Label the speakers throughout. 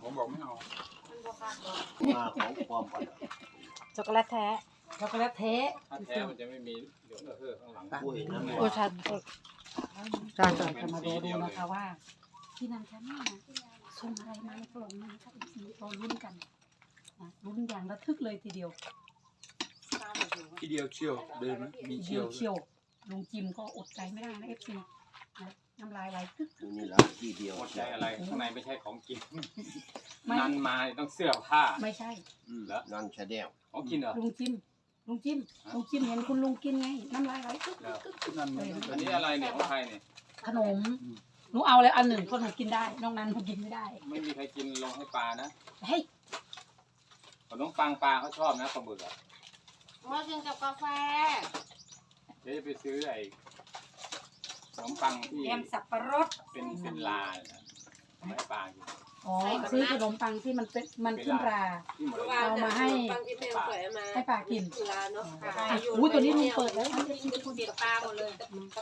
Speaker 1: ผมบอกไม่เอา
Speaker 2: มาของความอ่อน
Speaker 3: ช็อกโกแลตแท้
Speaker 4: ช็อกโกแลตเทส
Speaker 5: ถ้าแท้มันจะไม่มีเหลืองข้างหลัง
Speaker 2: อุ้ยน้ำ
Speaker 3: โอ้ชันจานจาน
Speaker 4: จะมาดูนะคะว่าที่นันแค่นี้นะส่งอะไรมาในกล่องนะคะอีกทีเราลุ้นกันนะลุ้นอย่างระทึกเลยทีเดียว
Speaker 1: ทีเดียวเชี่ยวเดินไหมมี
Speaker 4: ที
Speaker 1: เชี่
Speaker 4: เดี
Speaker 1: ย
Speaker 4: ยว วเชียวลุงจิมก็อดใจไม่ได้นะเอฟซีนะน้ำลายไหลตึ๊ก
Speaker 2: นี่ละที่เดียว
Speaker 5: หมดใจอะไรข้างในไม่ใช่ของกิน
Speaker 4: ไม่
Speaker 5: นันมาต้องเสื้อผ้า
Speaker 4: ไม่ใช่
Speaker 2: นั่นชาแนล
Speaker 5: ของกินเหรอ
Speaker 4: ลุงจิมลุงจิมเห็นคุณลุงกินไงน้ำลายไหลตึ๊กตึ๊กตึ๊ก
Speaker 1: นั่น
Speaker 5: อันนี้อะไรเนี่ยของใครเนี่ย
Speaker 4: ขนมหนูเอาเลยอันหนึ่งคนหนูกินได้นอกนั้นหนูกินไม่ได้
Speaker 5: ไม่มีใครกินลงให้ปลานะ
Speaker 4: เฮ้ย
Speaker 5: ขนมปังปลาเขาชอบนะปลาบึกอ่ะ
Speaker 3: มากินกับกาแฟ
Speaker 5: เดี๋ยวจะไปซื้อไอ้ขนมปังที่
Speaker 4: แกมสับปะรด
Speaker 5: เป็นลานะให้ปลากิน
Speaker 4: อ๋อซื้อขนมปังที่มันเป็นมันขึ้นรา
Speaker 5: ที่หมดเลย
Speaker 4: เอามาให้
Speaker 3: บางทีแม่สวยมา
Speaker 4: ให้ปลากิน
Speaker 3: เวลาเนาะ
Speaker 4: อุ้ยตัวนี้ลุงเปิดแล้ว
Speaker 3: คุณเด็ดปลาหมดเลย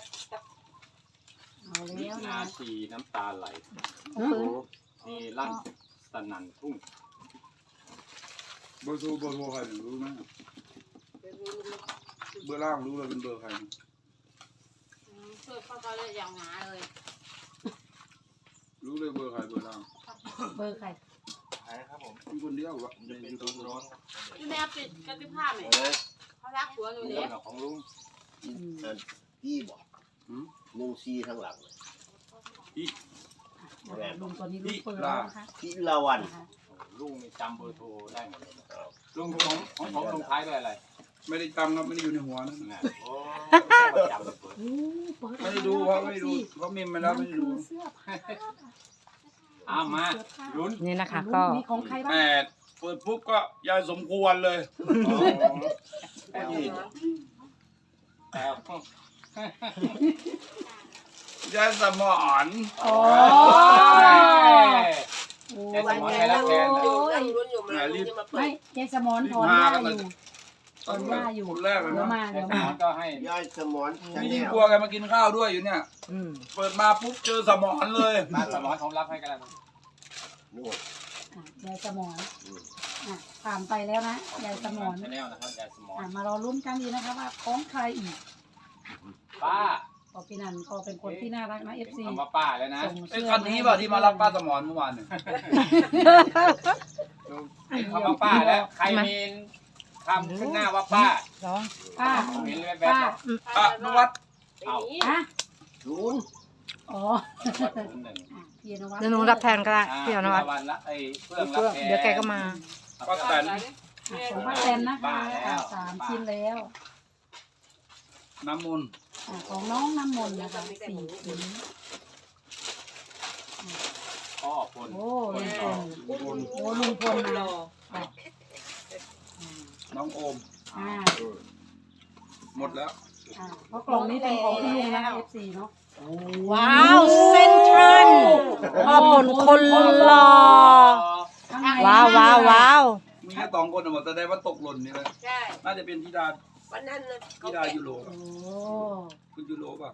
Speaker 4: เอาแล้ว
Speaker 5: นา
Speaker 4: นะ
Speaker 5: ทีน้ำตาไหล
Speaker 4: เอาปืน
Speaker 5: นี่ลั่นสนั่นทุ่ง
Speaker 1: เบอร์โทรใครรู้ไหมเบอร์ล่างรู้เลยเป็นเบอร์ใคร
Speaker 3: ช่วยพ่อก็เลยอย่างหนาเลย
Speaker 1: รู้เลยเบอร์ใครเบอร์ล่าง
Speaker 4: เบอร์ใคร
Speaker 1: มีคนเดียววะในยูทูบร้อน
Speaker 3: พี่แม่ปิดกระติบผ้าไหมเขารักหัวหนู
Speaker 5: เงิ
Speaker 3: เนี่ย
Speaker 5: นของลุง
Speaker 2: พี่บอก14ทั้งหลังเลย
Speaker 4: ลุงตัวนี้ลุงเปิดแล้วนะคะ
Speaker 2: พี่ละวัน
Speaker 5: ลุงนี่จำเบอร์โทรได้หมดเลยลุงของผมลงท้ายด้วยอะไร
Speaker 1: ไม่ได้จำครับไม่ได้อยู่ในหัวนะ
Speaker 5: นะโอ้จำเลยเปิด
Speaker 4: โอ้เปิด
Speaker 1: ไม่ได้ดูเขาไม่ได้ดูเขามิมมาแล้วไม่ได้ดู
Speaker 4: เสื้อผ้า
Speaker 5: เอามาลุ้น
Speaker 3: นี่นะคะก็
Speaker 4: มีของใครบ้าง
Speaker 1: แต่เปิดปุ๊บก็ยายสมควรเลย
Speaker 5: แต่
Speaker 1: ยายสมอน
Speaker 4: โอ้
Speaker 5: แต่สมองใครรับแทน
Speaker 3: อยู่นั่งลุ้นอยู่มาลุงจะมาเปิ
Speaker 4: ไม่
Speaker 3: ด
Speaker 4: เจสมอนถอนหน้าอยู่ถอนหน้าอยู่
Speaker 1: คนแรกเลย
Speaker 4: เดี๋ยว
Speaker 1: นะ
Speaker 4: มา
Speaker 5: แต่
Speaker 4: เดี๋ยว
Speaker 5: สม
Speaker 4: มา
Speaker 5: องก็ให้
Speaker 2: ยายสมอนชา
Speaker 1: นี่
Speaker 2: แน
Speaker 1: ยิ่ง
Speaker 2: ล
Speaker 1: กลัวแกมากินข้าวด้วยอยู่เนี่ย เปิดมาปุ๊บเจอสมอนเลย
Speaker 5: มาสมองของรับให้กันแล้ว
Speaker 2: นู่น
Speaker 4: ยายสมอนผ่านไปแล้วนะยายสมอน
Speaker 5: ชาแนลนะครับยายสมอง
Speaker 4: มารอลุ้นกันดีนะคะว่าของใครอีก
Speaker 5: ป้า
Speaker 4: พอพี่นันก็เป็นคนที่น่ารักนะเอฟซี
Speaker 5: คำว่าป้าแล้วนะ
Speaker 1: ไอ้คันนี้ป่ะที่มารับป้าสมอนเมื่อวานเนี่ย
Speaker 5: คำว่าป้าแล้วใครมีคำขึ้นหน้าว่าป้า
Speaker 3: ร้อง
Speaker 4: ป้า
Speaker 5: เห็นแบบ
Speaker 4: ป้า
Speaker 1: ป้านุวัฒน์
Speaker 5: เอา
Speaker 4: ฮะ
Speaker 2: ศูนย์
Speaker 4: อ๋อ
Speaker 5: หนึ่ง
Speaker 4: พี่นวัด
Speaker 3: เดี๋ยวหนูรับแทนก็ได้พี่อนุวัฒน์
Speaker 5: วันละไอ้เพื่องรับแทน
Speaker 3: เดี๋ยวแกก็มา
Speaker 1: ป้าแตน
Speaker 4: ของป้าแตนนะคะ3 ชิ้นแล้ว
Speaker 1: น้ำมนต์
Speaker 4: ของน้องน้ำมนต์นะคะ4 ชิ้น
Speaker 5: พ่อพล
Speaker 4: โอ้ลุงพลโอ้ลุงพลนะ
Speaker 1: น้องโอม
Speaker 4: อ่า
Speaker 1: หมดแล้ว
Speaker 4: เพราะกล่องนี้เป็นของคุณลุงนะคะ FC เนาะ
Speaker 3: ว้าวเซ็นทรัลพ่อผลคนหล่อ
Speaker 4: ข้างใน
Speaker 3: ว้าวว้าวว้าว
Speaker 1: มีแค่2 คนหมดแสดงว่าตกหล่นนี่เลย
Speaker 3: ใช่
Speaker 1: น่าจะเป็นธิดา
Speaker 3: วันนั้นนะ
Speaker 1: ธิดายูโรป่ะ
Speaker 4: โอ้
Speaker 1: คุณยูโรป่ะ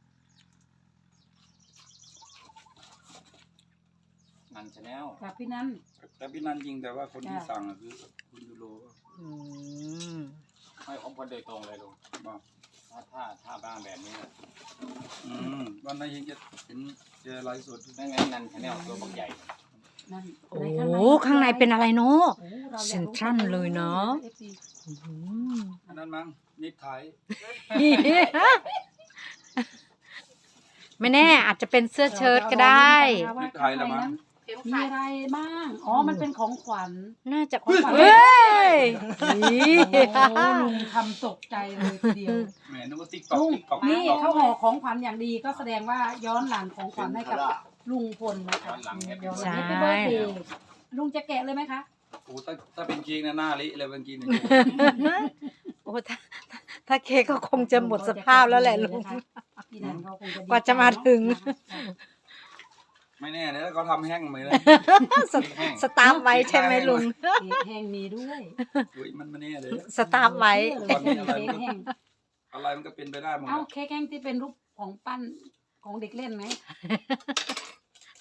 Speaker 5: นันชาแนล
Speaker 4: จากพี่นั้น
Speaker 1: แต่พี่นันจริงแต่ว่าคนที่สั่งอะคือคุณยูโรป่ะ
Speaker 5: ไม่ของคนโดยตรงเลยลุง
Speaker 1: บอก
Speaker 5: ถ้าบ้านแบบนี้
Speaker 1: วันนั้นเห็นเจอไลฟ์สด
Speaker 5: นั่นไงนันชาแนลตัวบักใหญ่
Speaker 4: นั่น
Speaker 3: โอ้ข้างในเป็นอะไรเนาะ
Speaker 4: โอ้ราอยากรู้
Speaker 3: เซ็นทรัลเลยเนาะ
Speaker 4: FC
Speaker 1: อันนั้นมั้งนิดไทย
Speaker 3: ไม่แน่อาจจะเป็นเสื้อเชิ้ตก็ได้
Speaker 4: ว่าข้างในนั้น
Speaker 3: เข็ม
Speaker 4: มี
Speaker 3: ขัด
Speaker 4: อะไรบ้าง อ๋อ มันเป็นของขวัญ
Speaker 3: น่าจะ
Speaker 4: ของขวัญ
Speaker 3: เฮ้ยนี่
Speaker 4: โอ้ลุงทำตกใจเลยทีเดียว
Speaker 1: แหมนึกว่าติ๊กต็อก
Speaker 4: ลุง
Speaker 1: ติ๊กต็อก
Speaker 4: นี่เขาห่อของขวัญอย่างดีก็แสดงว่าย้อนหลังของขวัญให้กับลุงพลนะคะย้อนหลังให้เบิร์ดเดย์ลุงจะแกะเลยไหมคะ
Speaker 1: โอ้ถ้าเป็นจริงนะหน้าเละเลยเมื่อกี้เนี่ย
Speaker 3: โอ้ถ้าเค้กก็คงจะหมดสภาพแล้วแหละลุง
Speaker 4: พี่นันเขาคงจะดี
Speaker 3: กว่าจะมาถึง
Speaker 1: ไม่แน่เลยแล้วเขาทำแห้งไหมเลย
Speaker 3: สตาร์ฟไว้ใช่ไหมลุง
Speaker 4: เค้กแห้งมีด้วย
Speaker 1: อุ้ยมันไม่แน่เลย
Speaker 3: สตาร์ฟไว้
Speaker 4: เค้กแห้ง
Speaker 1: อะไรมันก็เป็นไปได้หมด
Speaker 4: เอ้าเค้กแห้งที่เป็นรูปของปั้นของเด็กเล่นไหม
Speaker 3: ส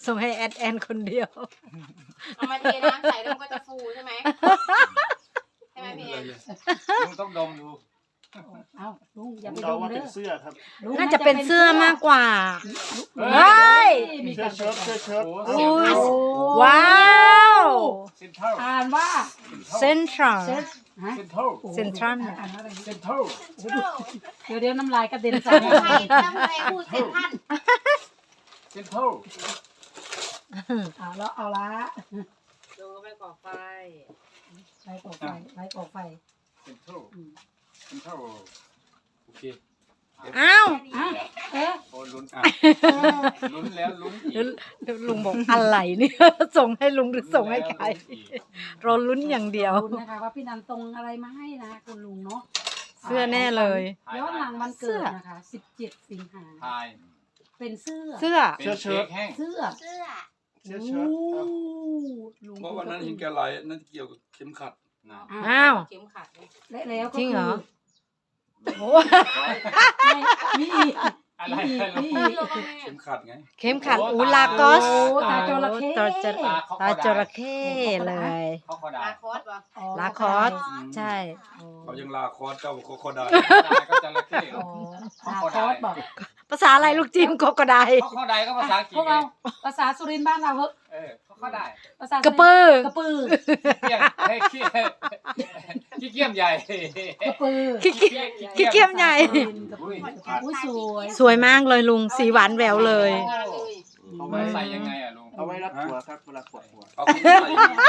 Speaker 3: ส่งให้แอดแอนคนเดียว
Speaker 6: เอามาเทน้ำใส่แล้วมันก็จะฟูใช่ไหมใช่ไหมพี่แอน
Speaker 5: ลุงต้องดมดู
Speaker 4: เอ้าลุงอย่าไป
Speaker 2: เดา
Speaker 4: ดม
Speaker 2: ว่า
Speaker 4: เด้
Speaker 2: เป็
Speaker 4: อน
Speaker 2: เสื้อครับ
Speaker 4: ลุง
Speaker 3: น่าจะเป็นเสื้อมากกว่า
Speaker 5: เฮ้
Speaker 3: เฮ้ย
Speaker 4: มี
Speaker 2: เสื้
Speaker 4: กา
Speaker 2: อ
Speaker 4: ร
Speaker 2: เชิ้ตเสื้อเชิ้ต
Speaker 5: โอ้โห
Speaker 3: โอ้
Speaker 5: เสียง
Speaker 3: ย
Speaker 5: เท่า
Speaker 3: ว้าว
Speaker 5: เซ็นเท่า
Speaker 4: อ่านว่า
Speaker 3: เซ็นทรัล
Speaker 4: เซ็ตฮะ
Speaker 5: เซ็นเท่า
Speaker 3: เซ็นทรัล
Speaker 4: อ่านว่าอะไร
Speaker 5: เซ็นเท่า
Speaker 4: เดี๋ยวน้ำลายกระเด็นใส่
Speaker 6: ทำไมพูดเสร็จท่าน
Speaker 5: เซ็นเท่า
Speaker 4: เอาแล้วเอาละ
Speaker 6: ลงไปก่อไฟ
Speaker 4: ไฟก่อไฟไฟก่อไฟ
Speaker 5: เซ็นเท่าเซ็นเท่าโอเค
Speaker 3: อ้าว
Speaker 4: อ่ะเอ๊ะ
Speaker 5: โอ้ลุ้นอ่ะลุ้นแล้วลุ้นอีก
Speaker 3: แล้วลุงบอกอะไรเนี่ย ส่งให้ลุงหรือส่งให้ใครเราลุ้นอย่างเดียว
Speaker 4: ลุ้นนะคะว่าพี่นันตรงอะไรมาให้นะคุณลุงเนาะ
Speaker 3: เสื้อแน่เลย
Speaker 4: ย้อนหลังวันเกิดนะคะ 17 สิงหา
Speaker 5: ทาย
Speaker 4: เป็นเสื้อ
Speaker 3: เสื้อ
Speaker 5: เป็นเค้กแห้ง
Speaker 4: เสื้อ
Speaker 6: เสื้อ
Speaker 2: เสื้อเชิ้ตครับ
Speaker 4: ลุง
Speaker 1: เพราะวันนั้นเห็นแกไหลนั่นเกี่ยวกับเข็มขัด
Speaker 5: นะ
Speaker 3: อ้าว
Speaker 6: เข็มขัดเลย
Speaker 4: และแล้วก็
Speaker 3: จริงเหรอ โอ้
Speaker 4: มีอีก
Speaker 5: อะไร
Speaker 4: มีอีก
Speaker 1: เข็มขัดไง
Speaker 3: เข็มขัดอูลากอส
Speaker 4: โอ้ตาจระเข้
Speaker 3: ตาจระเข้เลย
Speaker 5: เขาเขาได้
Speaker 6: ลาคอสวะ
Speaker 4: อ๋อ
Speaker 3: ลาคอส ใช่
Speaker 1: เขายังลาคอร์สเจ้าโคได้
Speaker 5: ก็จะระเข้
Speaker 4: อ๋อลาคอสบอก
Speaker 3: ภาษาอะไรลูกจิมโกโกได
Speaker 5: เขาเขาได้ก็ภาษาอังกฤษ
Speaker 4: พวกเราภาษาสุรินทร์บ้านเราเหอะ
Speaker 5: เขาเขาได้
Speaker 4: ภาษาก
Speaker 3: ระปือ
Speaker 4: กระปือ
Speaker 5: เกี้ยมเฮ้ยขี้ขี้เกียมใหญ่
Speaker 4: กระปือ
Speaker 3: ขี้เกียจใหญ่
Speaker 4: อุ้ยสวย
Speaker 3: สวยมากเลยลุง สีหวานแหววเลย
Speaker 6: งานเลย
Speaker 5: เอาไว้ใส่ยังไงอ่ะลุง
Speaker 2: เอาไว้รับหัวครับเวลาปวดหัว
Speaker 1: เอาขึ้นใส่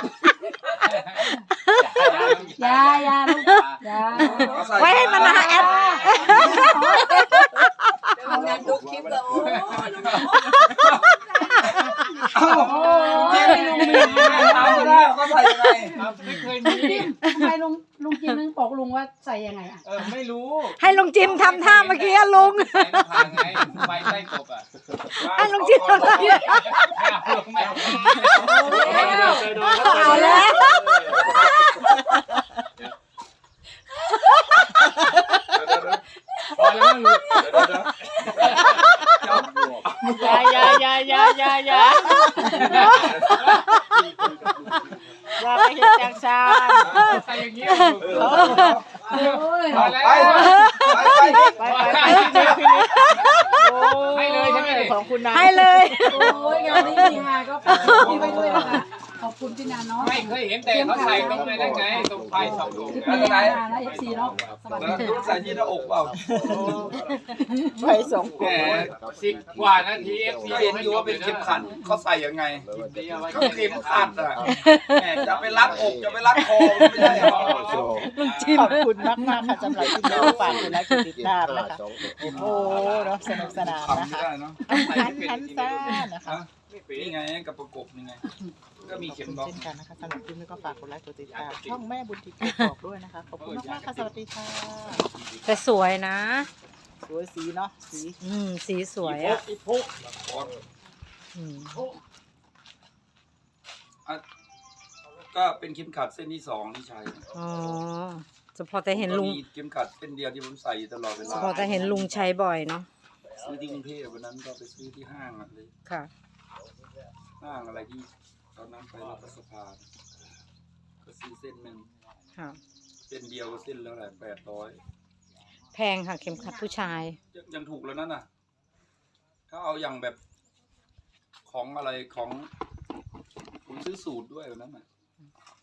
Speaker 4: ยายาลูกยา
Speaker 1: เอาใส่
Speaker 3: ไว้ให้มันหาแอป
Speaker 6: ทำงานดูคลิปแล้วโอ้ย
Speaker 1: เอ้า
Speaker 4: โอ้ยลุงมี
Speaker 1: ถามได้เขาใส่ยังไง
Speaker 5: ไม่เคยมี
Speaker 4: ทำไมลุงจิมนึงบอกลุงว่าใส่ยังไงอ่ะ
Speaker 5: ไม่รู้
Speaker 3: ให้ลุงจิมทำท่าเมื่อกี้อะลุง
Speaker 5: ใส่หน้าผากไงใบใต้กบอ่ะ
Speaker 3: ให้ลุงจิมทำท่า
Speaker 5: ไม่เอา
Speaker 3: เอาแล้ว
Speaker 5: พอแล้วมั้งลุง
Speaker 3: อย่าไปเห็นจังซาน
Speaker 5: ใส่อย่างนี้
Speaker 4: โอ้ย
Speaker 5: พอแล้ว
Speaker 1: ไป
Speaker 5: ให้เลยใช่ไหม
Speaker 3: ของคุณนายให้เลย
Speaker 4: โอ้ยงานนี้มีฮาก็ฝากพี่ไว้ด้วยนะคะขอบคุณพี่นันเนาะ
Speaker 5: ไม่เคยเห็นแต่เขาใส่ตรงไหนได้ไงตรงไฟสองตรง
Speaker 4: พี่ปีนานะFC เนาะสวัสดี
Speaker 1: แล้วใส่ที่หน้าอกเปล่า
Speaker 3: ไปส่ง
Speaker 1: แหม
Speaker 5: 10 กว่านาที FC
Speaker 1: ก็เห็นอยู่ว่าเป็นเข็มขัดเขาใส่ยังไง
Speaker 5: ก็
Speaker 1: ก็เข็มขัดอ่ะแหมจะไปรัดอกจะไปรัดคอมันไม่ได้หรอก
Speaker 7: ขอบคุณมากมากๆค่ะสำหรับที่น้องฝากคุณและคุณติดตามนะคะโอ้โหเนาะสนุกสนาน
Speaker 1: ทำ
Speaker 7: นะ
Speaker 1: ไม่
Speaker 7: คะ
Speaker 1: ได้เนาะ
Speaker 7: ทันซ่านะคะ
Speaker 1: นี่ไงกับประกบนี่ไง ก็มี
Speaker 7: ขอบ
Speaker 1: เข็ม
Speaker 7: คุณ
Speaker 1: ล็อก
Speaker 7: เช่นกันนะคะสำหรับคลิปนี้ก็ฝากกดไลค์กดติดตามช่องแม่บุญทิพย์บอกด้วยนะคะขอบคุณมากๆค่ะสวัสดีค่ะ
Speaker 3: แต่สวยนะ
Speaker 7: สวยสีเนาะสี
Speaker 3: สีสวยอ่ะอืม
Speaker 1: ก็เป็นเข็มขัดเส้นที่สองที่ใช้
Speaker 3: อ๋อเฉพาะแต่เห็นลุง
Speaker 1: มีเข็มขัดเส้นเดียวที่ผมใส่อยู่ตลอดเว
Speaker 3: เฉ
Speaker 1: ลา
Speaker 3: พาะแต่เห็นลุงใช้บ่อยเนาะ
Speaker 1: ซื้อที่กรุงเทพวันนั้นก็ไปซื้อที่ห้างอะเลย
Speaker 3: ค่ะ
Speaker 1: ห้างอะไรที่ตอนนั้นไปรัฐสภาก็ซื้อเส้นหนึ่ง
Speaker 3: ค่ะ
Speaker 1: เส้นเดียวก็เส้นแล้วแหละ800
Speaker 3: แพงค่ะเข็มขัดผู้ชาย
Speaker 1: ยังถูกแล้วนั่นน่ะถ้าเอาอย่างแบบของอะไรของผมซื้อสูตรด้วยวันนั้นน่ะ